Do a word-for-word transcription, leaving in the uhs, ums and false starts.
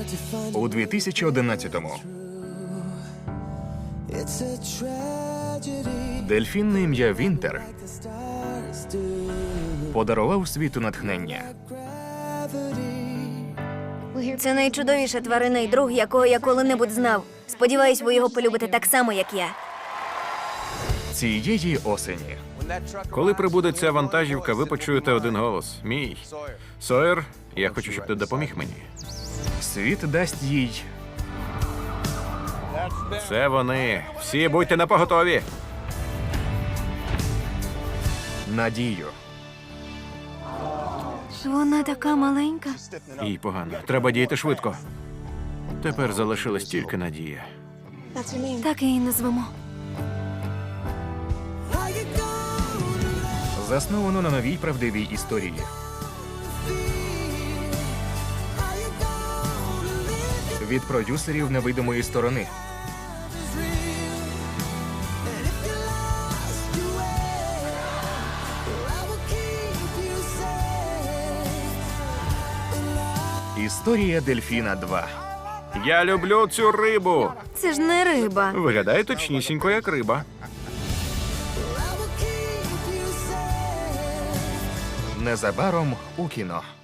У дві тисячі одинадцятому дельфін на ім'я Вінтер подарував світу натхнення. Це найчудовіша тварина і друг, якого я коли-небудь знав. Сподіваюсь, ви його полюбите так само, як я. Цієї осені Коли прибуде ця вантажівка, ви почуєте один голос. Мій. Сойер, я хочу, щоб ти допоміг мені. світ дасть їй Це вони. Всі будьте напоготові. надію. Вона така маленька. Їй погано. Треба діяти швидко. Тепер залишилась тільки надія. Так її назвемо. Засновано на новій правдивій історії. Від продюсерів невидимої сторони. Історія Дельфіна два. Я люблю цю рибу. Це ж не риба. Виглядає точнісінько, як риба. Незабаром у кіно.